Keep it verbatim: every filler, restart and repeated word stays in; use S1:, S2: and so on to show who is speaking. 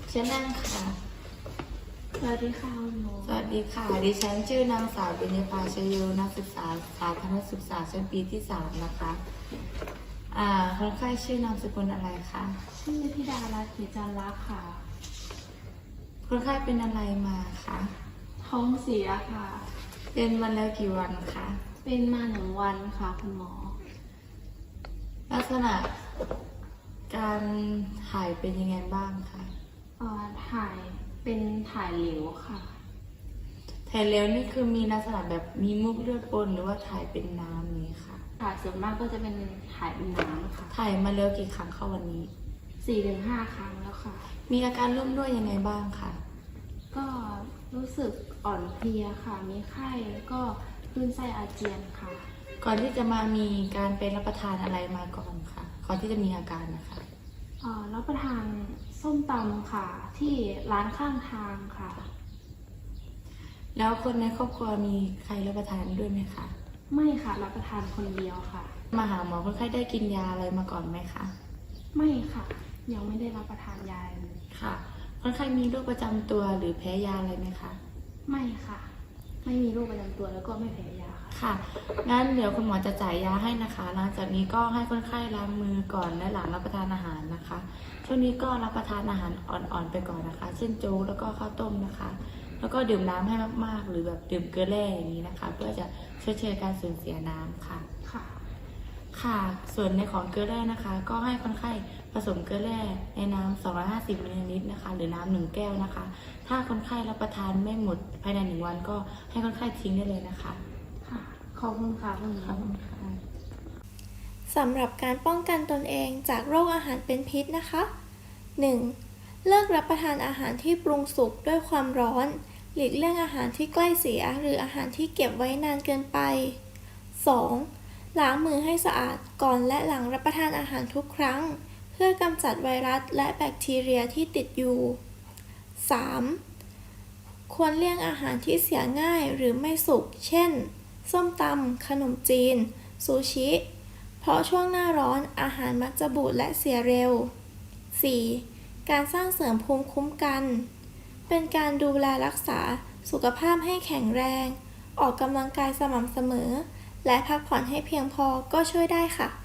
S1: เชิญนั่งค่ะ
S2: สวัสดีค่ะคุณหมอ
S1: สวัสดีค่ะดิฉันชื่อนางสาวเบญญภาชโยนักศึกษาสาธารณศึกษาชั้นปีที่สามนะคะอ่าคนไข้ชื่อนามสกุลอะไรคะ
S2: ชื่อธิดารัตน์เขจันทร์รักค่ะ
S1: คนไข้เป็นอะไรมาคะ
S2: ท้องเสียค่ะ
S1: เป็นมาแล้วกี่วันคะ
S2: เป็นมาหนึ่งวันค่ะคุณหมอ
S1: ลักษณะการถ่ายเป็นยังไงบ้างคะ
S2: เอ่อถ่ายเป็นถ่ายเหลวค่ะ
S1: ถ่ายแล้วนี่คือมีลักษณะแบบมีมุกเลือดปนหรือว่าถ่ายเป็นน้ำนี้ค่ะ
S2: ถ่ายส่วนมากก็จะเป็นถ่ายเป็นน้ำค่ะ
S1: ถ่ายมาแล้วกี่ครั้งเข้าวันนี้
S2: สี่ถึงห้าครั้งแล้วค่ะ
S1: มีอาการร่วมด้วยยังไงบ้างคะ
S2: ก็รู้สึกอ่อนเพลียค่ะ มีไข้แล้วก็คลื่นไส้อาเจียนค่ะ
S1: ก่อนที่จะมามีการไปรับประทานอะไรมาก่อนค่ะก่อนที่จะมีอาการนะคะ
S2: เอ่อรับประทานส้มตำค่ะ ที่ร้านข้างทางค่ะ
S1: แล้วคนในครอบครัวมีใครรับประทานด้วยไหมคะ
S2: ไม่ค่ะรับประทานคนเดียวค่ะ
S1: มาหาหมอคนไข้ได้กินยาอะไรมาก่อนไหมคะ
S2: ไม่ค่ะยังไม่ได้รับประทานยาเลย
S1: ค่ะคนไข้มีโรคประจำตัวหรือแพ้ยาอะไรไหมคะ
S2: ไม่ค่ะไม่มีโรคประจำตัวแล้วก็ไม่แพ้ยาค่ะ
S1: ค่ะงั้นเดี๋ยวคุณหมอจะจ่ายยาให้นะคะหลังจากนี้ก็ให้คนไข้ล้างมือก่อนและหลังรับประทานอาหารนะคะช่วงนี้ก็รับประทานอาหารอ่อนๆไปก่อนนะคะเช่นโจ๊กแล้วก็ข้าวต้มนะคะแล้วก็ดื่มน้ำให้มากๆหรือแบบดื่มเกลือแร่อย่างนี้นะคะเพื่อจะช่วยเชยการสูญเสียน้ำค่ะ
S2: ค่ะ
S1: ค่ะส่วนในของเกลือแร่นะคะก็ให้คนไข้ผสมเกลือแร่ในน้ำสองร้อยห้าสิบมิลลิลิตรนะคะหรือน้ำหนึ่งแก้วนะคะถ้าคนไข้รับประทานไม่หมดภายในหนึ่งวันก็ให้คนไข้ทิ้งได้เลยนะคะ
S2: ค่ะขอบคุณค่ะคุณหมอ
S1: ขอบคุณค่ะ
S3: สำหรับการป้องกันตนเองจากโรคอาหารเป็นพิษนะคะ หนึ่ง. เลิกรับประทานอาหารที่ปรุงสุกด้วยความร้อนหลีกเลี่ยงอาหารที่ใกล้เสียหรืออาหารที่เก็บไว้นานเกินไป สอง. ล้างมือให้สะอาดก่อนและหลังรับประทานอาหารทุกครั้งเพื่อกำจัดไวรัสและแบคทีเรียที่ติดอยู่ สาม. ควรเลี่ยงอาหารที่เสียง่ายหรือไม่สุกเช่นส้มตำขนมจีนซูชิเพราะช่วงหน้าร้อนอาหารมักจะบูดและเสียเร็ว สี่. การสร้างเสริมภูมิคุ้มกันเป็นการดูแลรักษาสุขภาพให้แข็งแรงออกกำลังกายสม่ำเสมอและพักผ่อนให้เพียงพอก็ช่วยได้ค่ะ